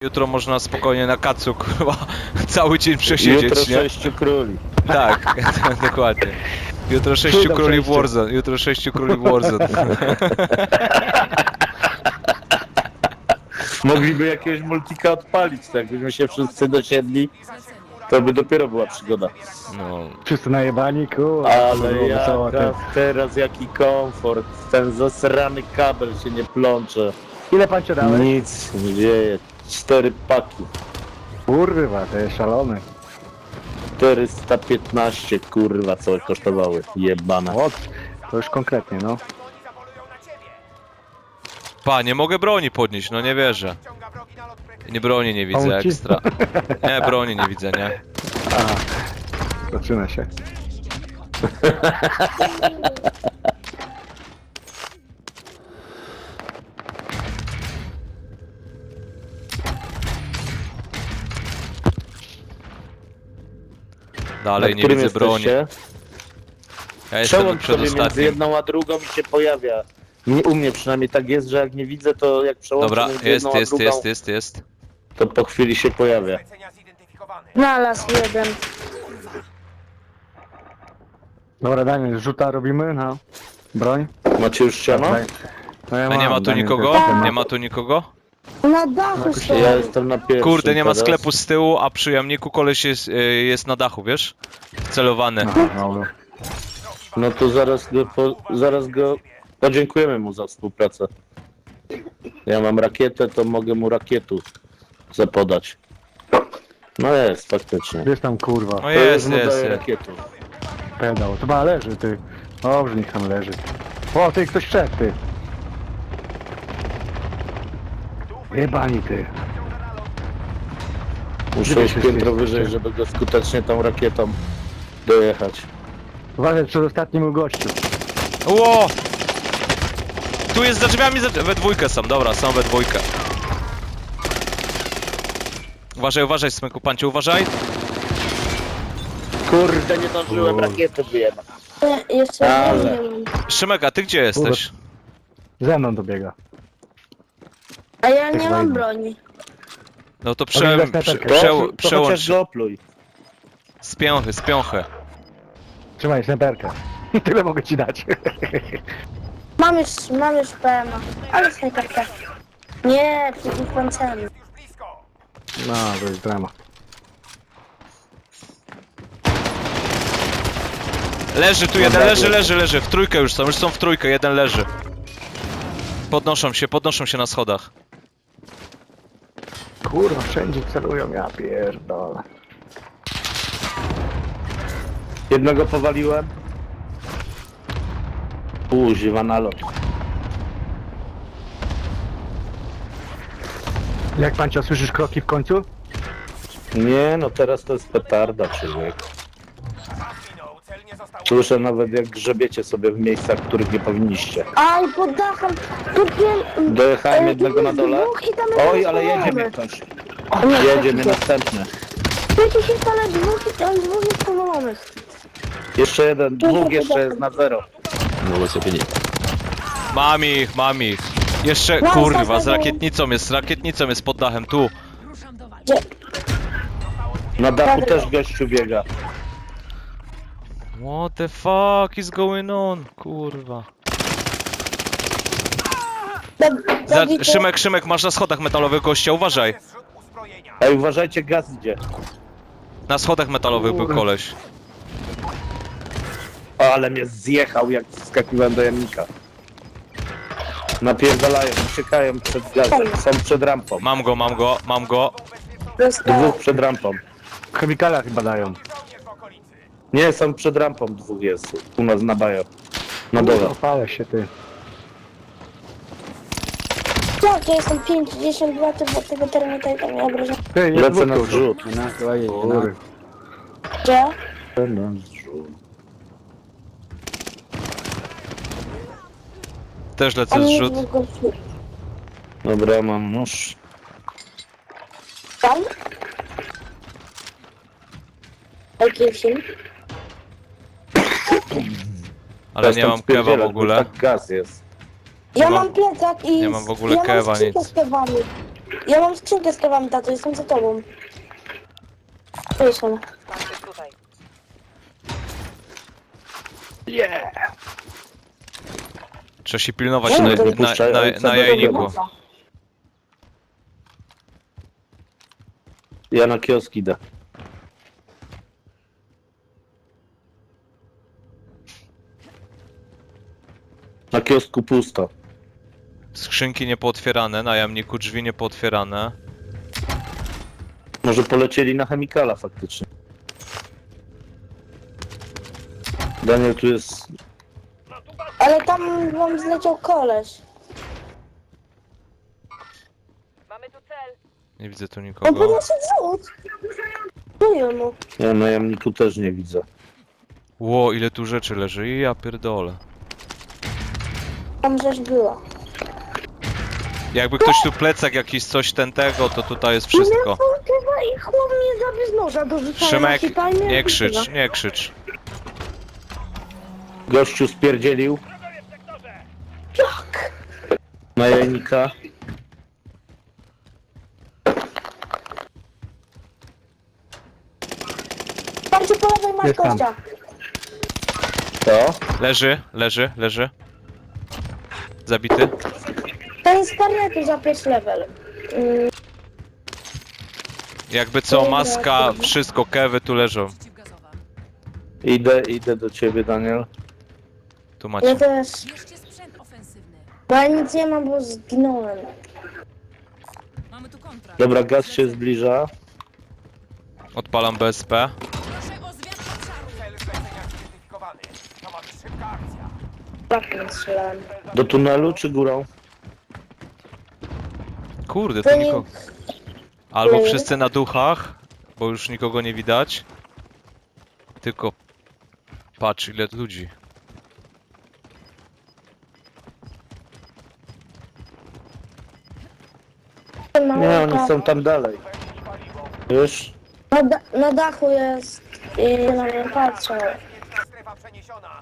Jutro można spokojnie na kacu, kurwa, cały dzień przesiedzieć, Jutro nie? 6 króli. Tak, dokładnie. Jutro 6 króli w Warzone, jutro 6 króli w Warzone. Mogliby jakiegoś multika odpalić, tak jakbyśmy się wszyscy dosiedli, to by dopiero była przygoda. No, Wszyscy najebani, kurwa. Ale teraz jaki komfort, ten zasrany kabel się nie plącze, Ile pancio dałeś? nic nie dzieje, 4 paki, Kurwa, to jest szalony. 415 kurwa co kosztowały, jebane. O, to już konkretnie, no. pa, nie mogę broni podnieść, no nie wierzę. Nie, broni nie widzę Pomóc ci? ekstra. Nie, broni nie widzę, nie? Aha, zaczyna się. Dalej Na nie którym widzę broni. jesteście? Ja jestem Przełącz sobie między przedostatnim. jedną a drugą i się pojawia. U mnie przynajmniej tak jest, że jak nie widzę, to jak przełączę Dobra, między jest, jedną a jest, drugą, jest. to po chwili się pojawia. Znalazł jeden. Dobra, Daniel, rzuta robimy na broń. Macie już ściano? No ja A nie ma tu Daniel nikogo? też ma. Nie ma tu nikogo? Na dachu są. Ja jestem na pierwszym. Kurde, nie ma teraz. sklepu z tyłu, a przy jamniku koleś jest na dachu, wiesz? Wcelowany. Aha, dobra. No to zaraz go podziękujemy mu za współpracę. Ja mam rakietę, to mogę mu rakietu zapodać. No jest, faktycznie. Gdzieś tam, kurwa, No To jest, już mu jest, daję jest. rakietu. pedał. To chyba leży, ty. Dobrze, niech tam leży. O, ty, ktoś wszedł, ty. Jebani, ty. Muszę Gdzie iść się piętro jesteście? wyżej, żeby go skutecznie tą rakietą dojechać. Uważaj, przed ostatnim gościu. Ło! Tu jest za drzwiami, we dwójkę są, dobra, są we dwójkę. Uważaj, smyku, panciu, uważaj. Kurde, nie zdążyłem rakiety wyjebać. Jeszcze Ale. nie mam. Szymek, a ty gdzie jesteś? Ze mną dobiega. A ja nie Tak mam wejdę. broni. No to Ale to To chociaż przełącz go opluj. z piąchy. Trzymaj snajperkę. Tyle mogę ci dać. Mam już PMA. Ale snajperka. Nie, przeciw pancerny. No, to jest drama. Leży tu jeden, leży. W trójkę już są w trójkę, jeden leży. Podnoszą się na schodach. Kurwa, wszędzie celują, ja pierdolę. Jednego powaliłem. Kuźwa na lot. Jak pancio, słyszysz kroki w końcu? Nie, no teraz to jest petarda, człowiek. Słyszę nawet jak grzebiecie sobie w miejscach, w których nie powinniście. Aj, pod dachem. Dojechałem jednego na dole. Oj, ale jedzie jedziemy. mnie ktoś. Jedzie mnie następny. Przecież jest ale dwóch jest powalonych. Jeszcze jeden, dwóch jeszcze jest na zero. Mam ich. Jeszcze, No, kurwa, z zostań. rakietnicą jest pod dachem, tu. Na dachu też gościu biega. What the fuck is going on? Kurwa. Szymek, masz na schodach metalowych gościa, uważaj. Ej, uważajcie, gaz idzie. Na schodach metalowych był koleś. O, ale mnie zjechał, jak wskakiwałem do jamnika. Napierdalają, uciekają przed gazem. Są przed rampą. Mam go. Dwóch przed rampą. Chemikala chyba dają. Nie, są przed rampą, dwóch jest. U nas na bajo. Na dole. Opalę się, ty. Tak, ja jestem 52, to bo tego termita i tam nie obrażam. Ty, jest Lecę na dwóch tu. zrzut. Kurwa. Gdzie? Też A lecę nie zrzut. dwóch gości. Dobra, mam nóż. Tam? Jaki film? Ale Teraz nie tam mam kewa w spierdzielać, bo ogóle. Tak gaz jest. Ja mam- mam plecak i... nie mam w ogóle ja kewa, mam skrzynkę nic. z kewami. Ja mam skrzynkę z kawami, tato, jestem za tobą. Tu jest ona. Trzeba się pilnować Nie, na, to na, wypuszczaj na, ojca na do jajniku. domu. Ja na kiosk idę. Na kiosku pusto. Skrzynki niepootwierane, na jamniku drzwi niepootwierane. Może polecieli na chemikala faktycznie. Daniel, tu jest... Ale tam wam zleciał koleś. Nie widzę tu On nikogo. podnosi zrzut. Czuję mu. Ja na jamniku też nie widzę. Ło, ile tu rzeczy leży. I ja pierdolę. Tam rzecz była. Jakby ktoś tu plecak jakiś coś tego, to tutaj jest wszystko. I chłop mnie zabił z noża do rzucania Szymek, na hita i nie krzycz, nie krzycz. Gościu spierdzielił. Jak? Na jajnika. Patrzcie po lewej masz Jest tam. gościa. To? Leży. Zabity. Ten z karnetu za pierwszy level. Jakby co, maska, wszystko, kewy tu leżą. Idę do ciebie, Daniel. Tu Ja macie. też. Bierzcie sprzęt ofensywny. Bo ja nic nie mam, bo zginąłem. Mamy tu kontrakt. Dobra, gaz się zbliża. Odpalam BSP. Proszę o zmianę obszaru. Tak nie strzelałem. Do tunelu czy górą? Kurde, To tu nie- nikogo. Albo nie. wszyscy na duchach, bo już nikogo nie widać. Tylko patrz ile ludzi. Nie, oni są tam dalej. Już? Na dachu jest i na mnie patrzą. Strefa przeniesiona.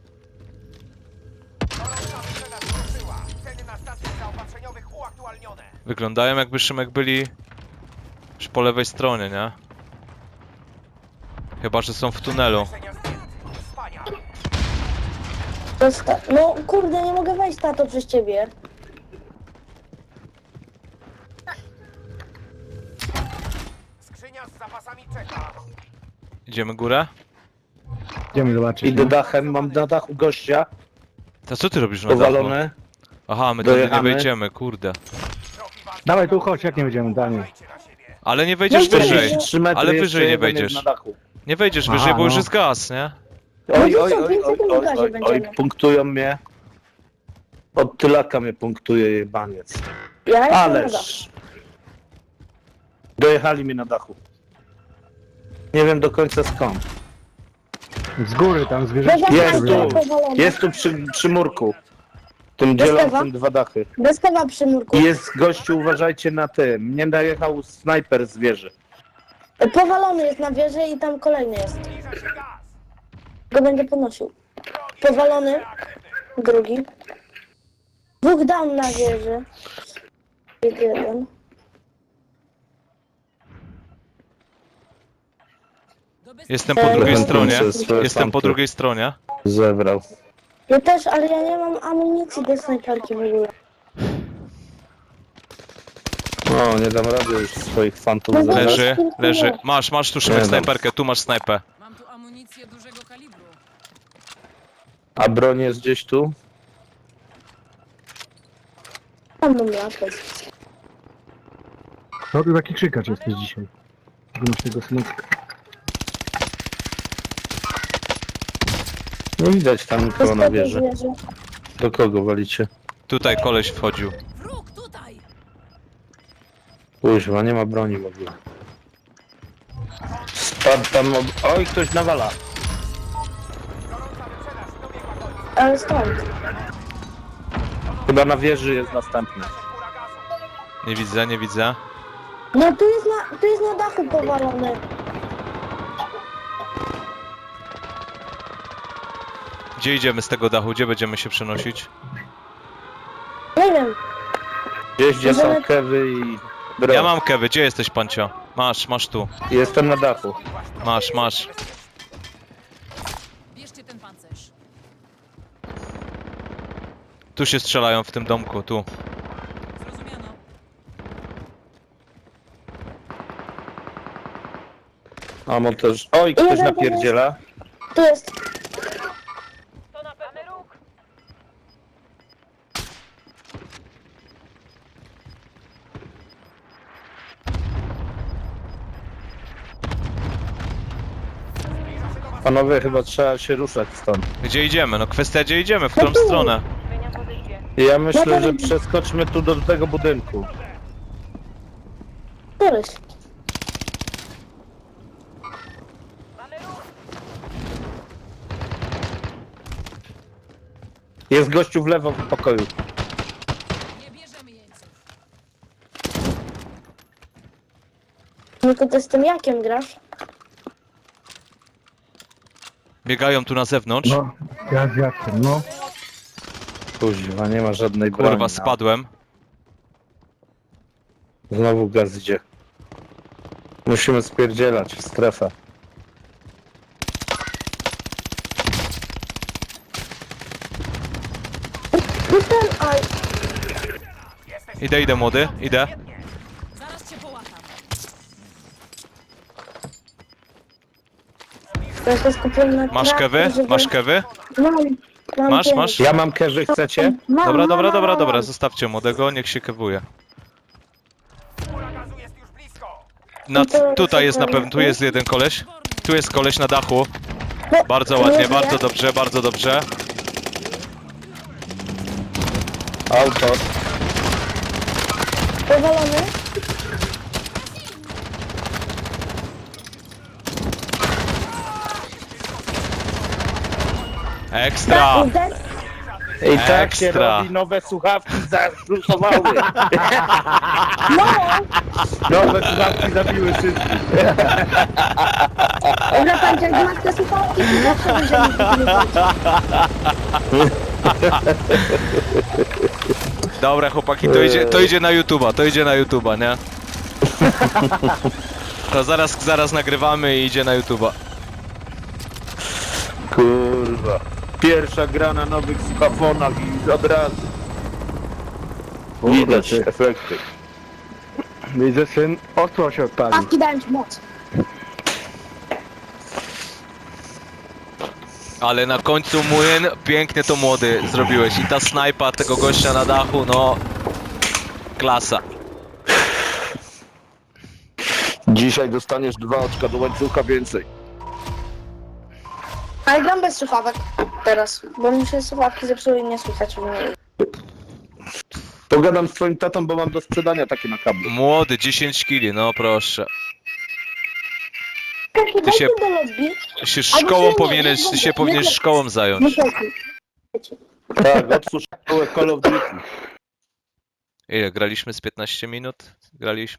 Gorąca wycena wkroczyła. Ceny na stacjach zaopatrzeniowych uaktualnione. Wyglądają jakby Szymek byli już po lewej stronie, nie? Chyba, że są w tunelu. Leczenia zdjęć. Wspaniale. No kurde, nie mogę wejść, tato, przez ciebie. Skrzynia z zapasami czeka. Idziemy górę? Idziemy zobaczyć. Idę no. dachem, mam na dachu gościa. To co ty robisz na dachu? Powalony. Aha, my tu nie Dojechamy. wejdziemy, kurde. Trochę walki. Dawaj tu chodź, jak nie będziemy, Daniel. Uważajcie na siebie. Ale nie wejdziesz No wyżej. widzisz. 3 metry Ale jeszcze wyżej nie jeden jest wejdziesz. na dachu. Nie wejdziesz Aha, wyżej, bo już no. jest gaz, nie? Oj, No oj, to co, oj, 5 oj, sekund oj, w gazie oj, oj, będziemy. punktują mnie. Od tylaka mnie punktuje jebaniec. Ja jestem na dachu. Ależ. Dojechali mi na dachu. Nie wiem do końca skąd. Z góry tam zwierzęta. Jest sobie tu. robią. Jest tu przy murku. Tym dzielącym dwa dachy. Bez kawa przy murku. I jest gościu, uważajcie na tym. Mnie najechał snajper z wieży. Powalony jest na wieży i tam kolejny jest. Zbliża się gaz. Go będę podnosił. Powalony. Drugi. Dwóch down na wieży. Jeden. Jestem po drugiej Jeden stronie. przez swoje Jestem po fanty. drugiej stronie. Zebrał. Ja też, ale ja nie mam amunicji do snajperki w ogóle. O, nie dam rady już swoich fantów No zebrać. Leży. Masz tu Szymek Nie dam. snajperkę, tu masz snajpę. Mam tu amunicję dużego kalibru. A broń jest gdzieś tu? Tam mam latę. No ty taki krzykacz jesteś dzisiaj. Masz tego smutka. Nie widać tam nikogo na wieży. wieży. Do kogo walicie? Tutaj koleś wchodził. Wróg tutaj! Kuźwa, nie ma broni w ogóle. Spadł tam... Oj, ktoś nawala. Gorąca wyprzedaż dobiegła końca. Ale stąd. Chyba na wieży jest następny. Góra gazu. Nie widzę. No tu jest na dachu powalony. Gdzie idziemy z tego dachu? Gdzie będziemy się przenosić? Nie wiem. Gdzieś gdzie są Możemy- kewy i Bro, Ja mam kewy, gdzie jesteś, Pancio? Masz tu. jestem na dachu. Masz. Bierzcie ten pancerz. Tu się strzelają w tym domku, tu. Zrozumiano. Amo też. Oj, ktoś napierdziela. Tu jest. Panowie, chyba trzeba się ruszać stąd. Gdzie idziemy? No kwestia, gdzie idziemy, w którą stronę? Ja myślę, że przeskoczmy tu do tego budynku. Któryś. Jest gościu w lewo w pokoju. Nie bierzemy jeńców. No to ty z tym jakiem grasz? Biegają tu na zewnątrz. No, ja z Jackiem, no. Kuźwa, nie ma żadnej broni. Kurwa, no. spadłem. Znowu gaz idzie. Musimy spierdzielać w strefę. Oj, Idę, młody, idę. Zaraz cię połatam. ja się skupiłem na Masz trakcie, kewy? żeby- Masz kewy? Mam Masz, pięć. masz? Ja mam kewy, chcecie? Mam, Dobra, zostawcie młodego, niech się kewuje. Pula gazu jest już blisko. Tutaj jest na pewno, tu jest jeden koleś. Tu jest koleś na dachu. No, Bardzo nie ładnie, żyje. bardzo dobrze, bardzo dobrze. Auto. Powalony. Ekstra! I tak się Ekstra. robi nowe słuchawki zaszlusowały. No, Nowe słuchawki zabiły wszystkich. dobra, pan jak masz te słuchawki, to zawsze będziemy wygrywać. Dobra chłopaki, to idzie na YouTube'a, nie? To zaraz nagrywamy i idzie na YouTube'a. Kurwa. Pierwsza gra na nowych słuchafonach i od razu. Widać ty. efekty. Widzę, syn, ostro się odpalił. Słuchawki dają ci moc. Ale na końcu młyn, pięknie to młody zrobiłeś. I ta snajpa tego gościa na dachu, no... Klasa. Dzisiaj dostaniesz 2 oczka do łańcucha więcej. Ale gram bez słuchawek teraz, bo mi się słuchawki zepsuły i nie słychać mnie. Pogadam z twoim tatą, bo mam do sprzedania takie na kablu. Młody, 10 kili, no proszę. Taki Ty się- do lobby. Się Albo szkołą nie, powinieneś, nie, się nie, powinieneś nie. szkołą zająć. Tak, otwórz szkołę Call of Duty. Ile, graliśmy z 15 minut? Graliśmy.